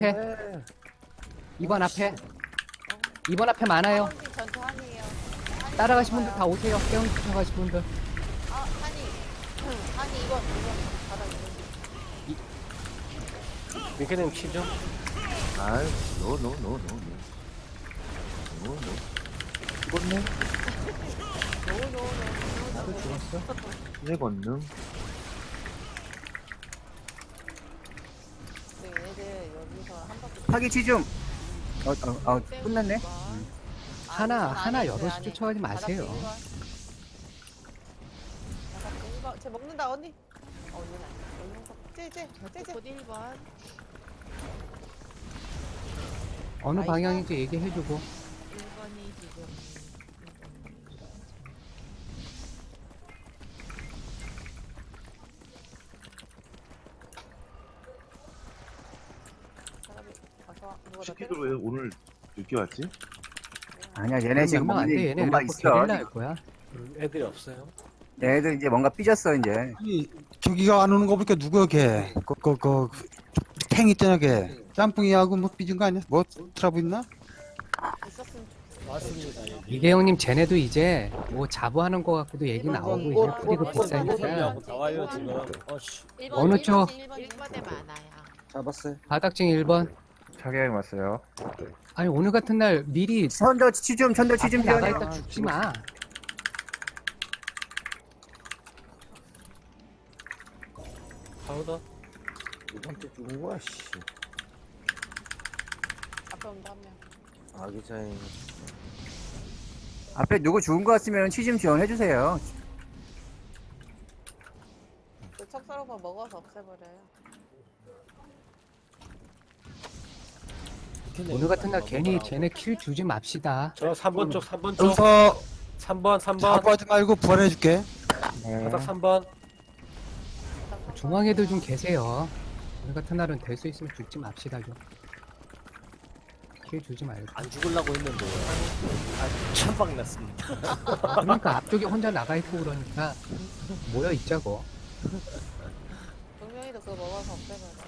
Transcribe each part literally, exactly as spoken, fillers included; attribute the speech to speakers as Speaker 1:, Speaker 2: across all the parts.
Speaker 1: 앞에. 이 번 앞에. 이 번 앞에 많아요.
Speaker 2: 전투 한이에요. 한이
Speaker 1: 따라가신 분들
Speaker 2: 좋아요.
Speaker 1: 다 오세요. 깨운 쫓아가신 분들.
Speaker 2: 아, 한이. 한이 이번, 이번. 바닥 이번.
Speaker 3: 민캐님 치죠?
Speaker 4: 아유, 노, 노, 노, 노, 노. 노, 노. 죽었네?
Speaker 2: 노노노노.
Speaker 1: 나도 죽었어.
Speaker 4: 이제 건능.
Speaker 2: 얘들 여기서 한 바퀴.
Speaker 5: 파기 치좀. 어, 어, 어, 끝났네.
Speaker 1: 하나,
Speaker 2: 아,
Speaker 1: 하나
Speaker 2: 아니,
Speaker 1: 여럿이
Speaker 2: 아니.
Speaker 1: 쫓아가지
Speaker 2: 바닥
Speaker 1: 마세요.
Speaker 2: 일 번. 바닥 일 번. 쟤 먹는다 언니. 어, 언니는 안 먹는 거. 쟤쟤 쟤쟤. 곧 일 번.
Speaker 1: 어느
Speaker 2: 나이스.
Speaker 1: 방향인지 얘기해주고.
Speaker 2: 일 번이 지금. 사람이 와서 와. 누가 나
Speaker 4: 시키도
Speaker 2: 때렸어?
Speaker 4: 왜 오늘 늦게 왔지?
Speaker 5: 아니야, 얘네 지금
Speaker 1: 몇명 안 돼.
Speaker 5: 뭔가,
Speaker 1: 얘네
Speaker 5: 뭔가
Speaker 1: 이래갖고
Speaker 5: 있어.
Speaker 1: 게릴라 할 거야.
Speaker 3: 음, 애들이 없어요.
Speaker 5: 얘네들 이제 뭔가 삐졌어, 이제.
Speaker 6: 이 저기가 안 오는 거 보니까 누구야 걔? 그그그 탱 있잖아 걔. 짬뽕이하고 뭐 삐진 거 아니야? 뭐 트러블 있나?
Speaker 2: 있었으면
Speaker 3: 맞습니다. 여기.
Speaker 1: 이계영님 쟤네도 이제 뭐 자부하는 거 갖고도 얘기 나오고 이제 프리그 비싸니까
Speaker 3: 나와요 지금. 어씨.
Speaker 1: 어느 쪽?
Speaker 2: 일 번에 많아요.
Speaker 6: 잡았어요.
Speaker 1: 바닥증 일 번.
Speaker 4: 차계양 왔어요.
Speaker 1: 아니 오늘 같은 날 미리
Speaker 5: 천더 치좀, 천더
Speaker 1: 앞에
Speaker 5: 치좀
Speaker 1: 나가
Speaker 5: 지원해.
Speaker 1: 있다 죽지 마.
Speaker 3: 파우더.
Speaker 4: 이번 주 죽은 거야, 씨.
Speaker 2: 앞에 온다 한 명.
Speaker 4: 아기자인.
Speaker 5: 앞에 누구 죽은 거 같으면 치좀 지원해주세요.
Speaker 2: 그 척서로버 먹어서 없애버려요.
Speaker 1: 오늘 같은 날 괜히 쟤네 킬 주지 맙시다.
Speaker 3: 저 삼 번 쪽, 삼 번 쪽.
Speaker 6: 여기서
Speaker 3: 삼 번, 삼 번.
Speaker 6: 자부하지 말고 부활해줄게.
Speaker 3: 바닥 삼 번.
Speaker 1: 중앙에도 좀 계세요. 오늘 같은 날은 될 수 있으면 죽지 맙시다 좀. 킬 주지 말고.
Speaker 3: 안 죽으려고 했는데. 아, 천방 났습니다.
Speaker 1: 그러니까 앞쪽에 혼자 나가 있고 그러니까 모여 있자고.
Speaker 2: 동명이도 그거 먹어서 없애버려.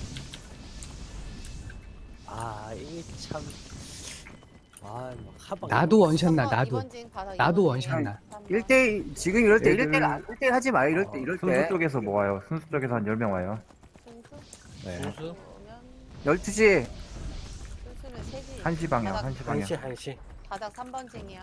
Speaker 3: 아, 이게 참. 아, 뭐 하방.
Speaker 1: 나도 원샷나 나도.
Speaker 2: 이번 징 바닥
Speaker 1: 나도
Speaker 2: 이번
Speaker 1: 원샷나.
Speaker 2: 징.
Speaker 5: 일 대 지금 이럴 때,
Speaker 4: 얘들-
Speaker 5: 일 대가, 일 대 하지 마, 이럴 때, 이럴
Speaker 4: 순수
Speaker 5: 때.
Speaker 4: 쪽에서 모아요. 순수 쪽에서 한 열 명 와요.
Speaker 2: 순수?
Speaker 4: 네.
Speaker 3: 순수.
Speaker 2: 오면
Speaker 5: 열두 시.
Speaker 2: 순수는 세지.
Speaker 4: 한 시 방향,
Speaker 2: 바닥,
Speaker 4: 한 시 방향.
Speaker 3: 한시, 한시.
Speaker 2: 바닥 삼 번 징이야.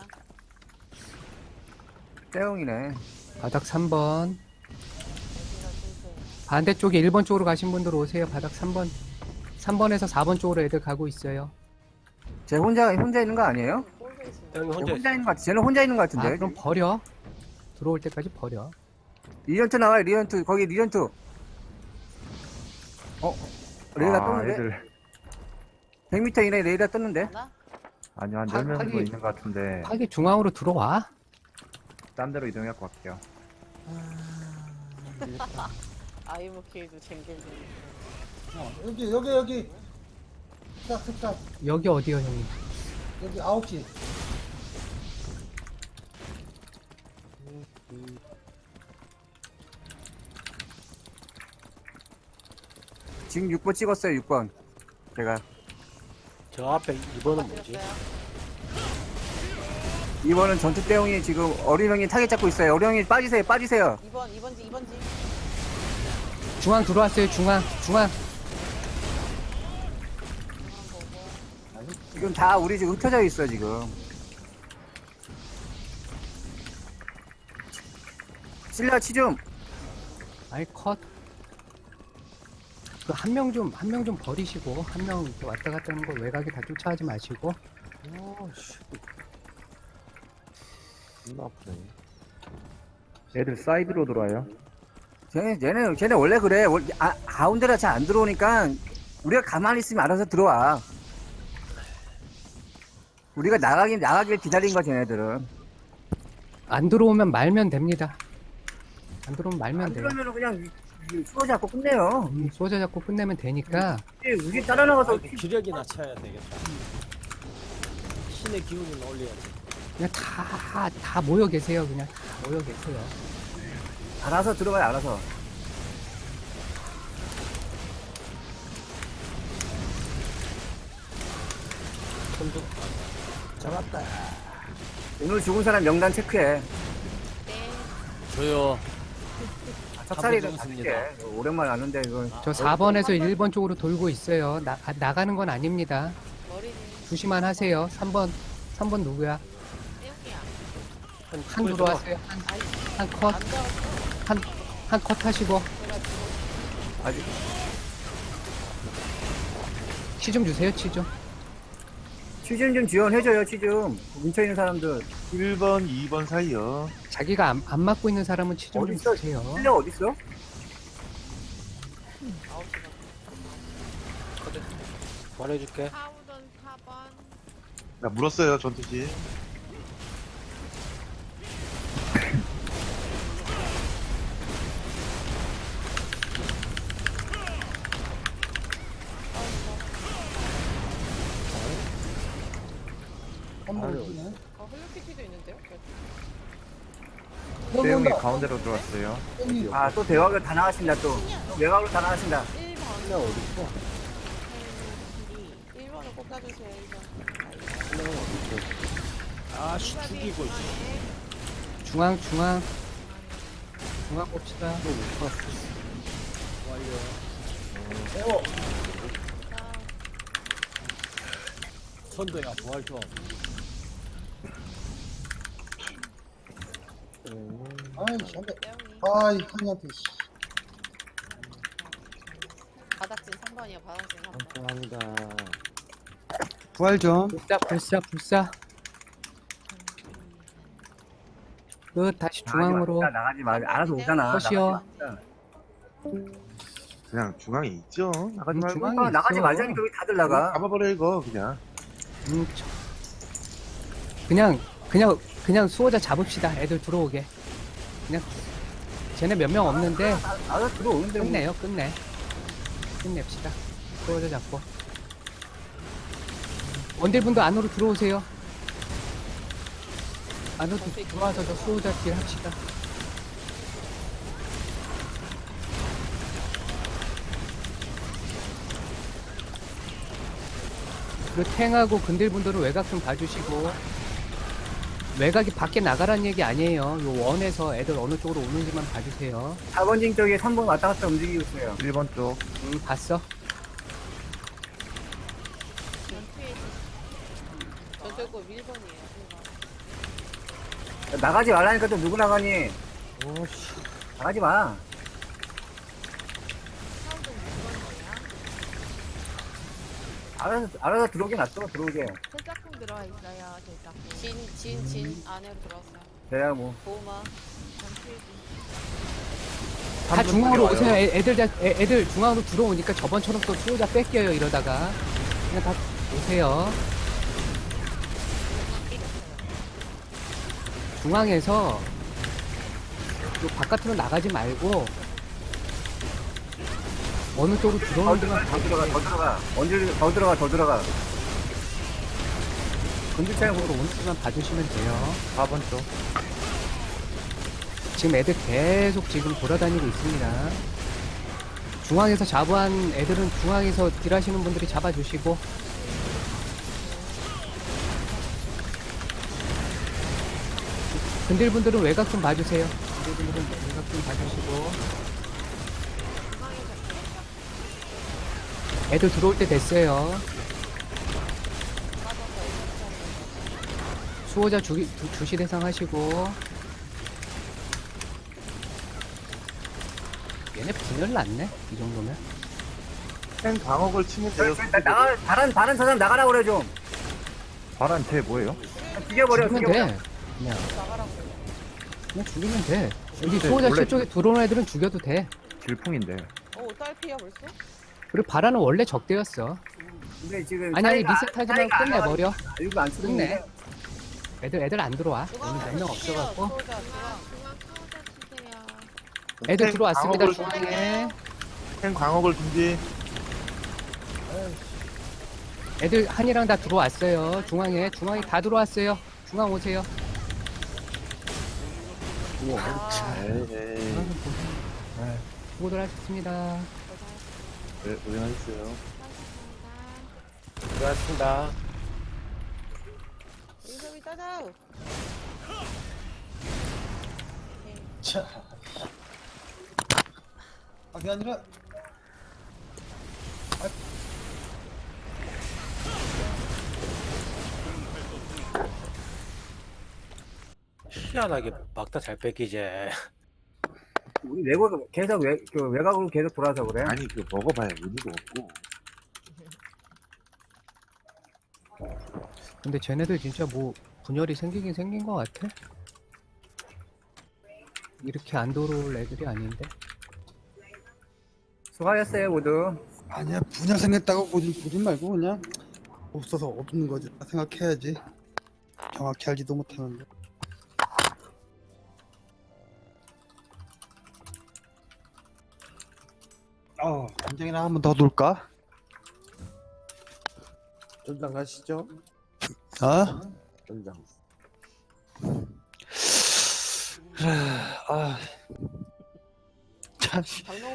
Speaker 5: 떼용이네.
Speaker 1: 바닥 삼 번.
Speaker 2: 여기가 순수.
Speaker 1: 반대쪽에 일 번 쪽으로 가신 분들 오세요. 바닥 삼 번. 삼 번에서 사 번 쪽으로 애들 가고 있어요.
Speaker 5: 쟤 혼자, 혼자 있는 거 아니에요?
Speaker 2: 꼴도 있습니다.
Speaker 3: 형님
Speaker 5: 쟤
Speaker 3: 혼자
Speaker 5: 혼자
Speaker 3: 있어.
Speaker 5: 있는 거 같아. 쟤는 혼자 있는 거
Speaker 1: 아
Speaker 5: 같은데.
Speaker 1: 그럼 버려. 들어올 때까지 버려.
Speaker 5: 리언트 나와요, 리언트. 거기 리언트. 어? 레이더
Speaker 4: 아,
Speaker 5: 떴는데?
Speaker 4: 애들.
Speaker 5: 백 미터 이내에 레이더 떴는데?
Speaker 2: 하나?
Speaker 4: 아니요, 한
Speaker 1: 파-
Speaker 4: 열 명 정도
Speaker 1: 파기-
Speaker 4: 있는 것 같은데.
Speaker 1: 파기 중앙으로 들어와.
Speaker 4: 딴 데로 이동해갖고 갈게요.
Speaker 2: 아이모케이도 쟁쟁쟁.
Speaker 6: 어, 여기 여기 여기. 싹 싹.
Speaker 1: 여기 어디요 형님?
Speaker 6: 여기 아홉 시.
Speaker 5: 지금 육 번 찍었어요, 육 번. 제가.
Speaker 3: 저 앞에 이 번은 뭐지?
Speaker 5: 이 번은 전투 대용이 지금 어린 형이 타겟 잡고 있어요. 어린 형이 빠지세요, 빠지세요.
Speaker 2: 이 번, 이 번 징, 이 번 징.
Speaker 1: 중앙 들어왔어요. 중앙. 중앙.
Speaker 5: 지금 다 우리 지금 흩어져 있어, 지금. 실려 치좀.
Speaker 1: 아이 컷. 그 한 명 좀 한 명 좀 버리시고 한 명 왔다 갔다 하는 거 외곽에 다 쫓아하지 마시고.
Speaker 3: 오씨. 존나 아프네.
Speaker 4: 애들 사이드로 들어와요.
Speaker 5: 쟤네, 쟤네, 쟤네 원래 그래. 원- 아, 가운데라 잘 안 들어오니까 우리가 가만히 있으면 알아서 들어와. 우리가 나가긴, 나가길 기다린 거야, 쟤네들은.
Speaker 1: 안 들어오면 말면 됩니다. 안 들어오면 말면
Speaker 5: 안
Speaker 1: 돼요.
Speaker 5: 들어오면 그냥 수어 잡고 끝내요.
Speaker 1: 음, 쏘자 잡고 끝내면 되니까.
Speaker 5: 우리, 우리 따라 나가서
Speaker 3: 아이고, 기력이 낮춰야 되겠다. 신의 기운을 올려야지.
Speaker 1: 그냥 다, 다 모여 계세요. 그냥 다 모여 계세요.
Speaker 5: 알아서 들어가요, 알아서.
Speaker 3: 손도 잡았다.
Speaker 5: 오늘 죽은 사람 명단 체크해.
Speaker 3: 저요.
Speaker 5: 찹쌀이를
Speaker 3: 한번
Speaker 5: 가질게.
Speaker 3: 죽었습니다.
Speaker 5: 오랜만에 왔는데 이거
Speaker 1: 저 사 번에서 일 번 쪽으로 돌고 있어요. 나, 아, 나가는 건 아닙니다.
Speaker 2: 머리는
Speaker 1: 조심만 하세요. 삼 번, 삼 번 누구야?
Speaker 2: 떼용이야.
Speaker 1: 한 들어왔어요. 한, 한 컷,
Speaker 2: 안 들어왔어.
Speaker 1: 한, 한 컷 하시고.
Speaker 2: 내가 죽어.
Speaker 5: 아직
Speaker 1: 치 좀 주세요, 치 좀.
Speaker 5: 취준 좀 지원해줘요. 취준 뭉쳐 있는 사람들.
Speaker 4: 일 번, 이 번 사이요.
Speaker 1: 자기가 안, 안 맞고 있는 사람은 치 좀
Speaker 5: 어디
Speaker 1: 좀
Speaker 5: 있어?
Speaker 1: 주세요.
Speaker 5: 실력 어디 있어?
Speaker 2: 아홉 시 반.
Speaker 3: 말해줄게.
Speaker 2: 하우던 사 번.
Speaker 4: 나 물었어요, 전투지.
Speaker 2: 어, 헬로키티도 있는데요?
Speaker 4: 대웅이 가운데로 들어왔어요.
Speaker 5: 아 또 대화가 다 나가신다 또. 또 외곽으로 다 나가신다.
Speaker 2: 일 번.
Speaker 3: 신랑 어딨어?
Speaker 2: 일 번을 꼭 따주세요, 일 번.
Speaker 3: 신랑은 어딨어? 아씨 죽이고 있어.
Speaker 1: 중앙, 중앙. 중앙 봅시다.
Speaker 3: 또못 봤어. 완료. 선도야 부활 좀.
Speaker 6: 아이씨, 안 돼.
Speaker 2: 떼용이.
Speaker 6: 아이, 한이한테, 씨.
Speaker 2: 바닥진 삼 번이야, 바닥진 삼 번.
Speaker 3: 감사합니다.
Speaker 6: 부활 좀.
Speaker 1: 불사, 불사, 불사. 끝, 다시 중앙으로.
Speaker 5: 나가지 마. 나가지 마. 알아서 오잖아.
Speaker 1: 컷이요.
Speaker 5: 나가지
Speaker 4: 그냥 중앙에 있죠. 나가지
Speaker 1: 음,
Speaker 4: 말고.
Speaker 1: 중앙에
Speaker 5: 마. 나가지
Speaker 1: 있어.
Speaker 5: 말자니까 왜 다들 나가?
Speaker 4: 잡아버려, 이거, 그냥.
Speaker 1: 음, 저- 그냥, 그냥, 그냥 수호자 잡읍시다. 애들 들어오게. 그냥, 쟤네 몇 명 없는데,
Speaker 5: 알아서 들어오는데 뭐.
Speaker 1: 끝내요, 끝내. 끝냅시다. 수호자 잡고. 원딜분도 안으로 들어오세요. 안으로 들어와서 저 수호자 길 합시다. 그리고 탱하고 근딜분들은 외곽 좀 봐주시고, 외곽이 밖에 나가라는 얘기 아니에요. 요 원에서 애들 어느 쪽으로 오는지만 봐주세요.
Speaker 5: 사 번 징 쪽에 삼 번 왔다 갔다 움직이고 있어요.
Speaker 4: 일 번 쪽.
Speaker 1: 음, 봤어?
Speaker 2: 전투에 있어. 전투고 일 번이에요, 일 번.
Speaker 5: 나가지 말라니까 또 누구 나가니?
Speaker 3: 오씨.
Speaker 5: 나가지 마.
Speaker 2: 하우던 육 번이야.
Speaker 5: 알아서 알아서 들어오게 놔둬 들어오게.
Speaker 2: 철작품 들어와 있어요, 철작품. 진, 진, 진 안으로 들어왔어요.
Speaker 5: 돼야 뭐.
Speaker 2: 보호막. 전투에 진.
Speaker 1: 다 중앙으로 오세요. 애, 애들, 다, 애, 애들 중앙으로 들어오니까 저번처럼 또 수호자 뺏겨요, 이러다가. 그냥 다 오세요. 중앙에서 또 바깥으로 나가지 말고 어느 쪽으로
Speaker 5: 더
Speaker 1: 들어오는
Speaker 5: 들어가
Speaker 1: 데만
Speaker 5: 더 들어가 더 들어가. 언제 더 들어가 더 들어가. 건들차는
Speaker 1: 쪽으로 오는 데만 봐주시면 돼요.
Speaker 4: 사 번 쪽.
Speaker 1: 지금 애들 계속 지금 돌아다니고 있습니다. 중앙에서 자부한 애들은 중앙에서 딜하시는 분들이 잡아주시고, 근딜분들은 외곽 좀 봐주세요. 근딜분들은 외곽 좀 봐주시고. 애들 들어올 때 됐어요. 수호자 주, 주, 주시 대상 하시고. 얘네 분열 났네? 이 정도면?
Speaker 4: 생 광역을 치면 돼요.
Speaker 5: 나, 나가 다른 다른 사람 나가라 그래 좀.
Speaker 4: 바란 쟤 뭐예요?
Speaker 5: 죽여버려
Speaker 1: 죽이면
Speaker 5: 죽여버려.
Speaker 1: 돼. 그냥,
Speaker 2: 나가라고.
Speaker 1: 그냥 죽이면 돼. 여기
Speaker 4: 근데
Speaker 1: 수호자
Speaker 4: 원래-
Speaker 1: 실 쪽에 들어오는 애들은 죽여도 돼.
Speaker 4: 질풍인데.
Speaker 2: 어, 딸피야 벌써?
Speaker 1: 그리고 바라는 원래 적대였어.
Speaker 5: 근데 지금
Speaker 1: 아니, 아니,
Speaker 5: 사이가-
Speaker 1: 리셋하지 말고
Speaker 5: 사이가 안
Speaker 1: 끝내버려.
Speaker 5: 나가니까 일부 안 쓰고
Speaker 1: 끝내.
Speaker 5: 있는데.
Speaker 1: 애들, 애들 안 들어와.
Speaker 2: 중앙
Speaker 1: 여기 몇 명 없어갖고.
Speaker 2: 소자, 중앙.
Speaker 1: 애들
Speaker 4: 생
Speaker 1: 들어왔습니다,
Speaker 4: 광역을-
Speaker 1: 중앙에.
Speaker 4: 생 광역을 준비.
Speaker 1: 애들 한이랑 다 들어왔어요. 중앙에. 중앙에 다 들어왔어요. 중앙 오세요.
Speaker 2: 아,
Speaker 4: 에이,
Speaker 1: 중앙 좀 보세요. 수고들 하셨습니다.
Speaker 4: 네, 고생하셨어요.
Speaker 3: 수고하셨습니다.
Speaker 2: 가자.
Speaker 6: 자. 아, 그게 아니라
Speaker 3: 희한하게 막다 잘 뺏기지.
Speaker 5: 우리 외국 계속 외, 그 외곽으로 계속 돌아서 그래.
Speaker 4: 아니 그 먹어봐야 의미가 없고.
Speaker 1: 근데 쟤네들 진짜 뭐 분열이 생기긴 생긴 것 같아. 이렇게 안 돌아올 애들이 아닌데.
Speaker 5: 수고하셨어요 모두.
Speaker 6: 아니야 분야 생겼다고 보지 보지 말고 그냥 없어서 없는 거지 생각해야지. 정확히 알지도 못하는데. 어, 단장이나 한 번 더 놀까?
Speaker 3: 전장 가시죠.
Speaker 6: 어?
Speaker 3: 전장.
Speaker 6: 아, 참.
Speaker 2: 방송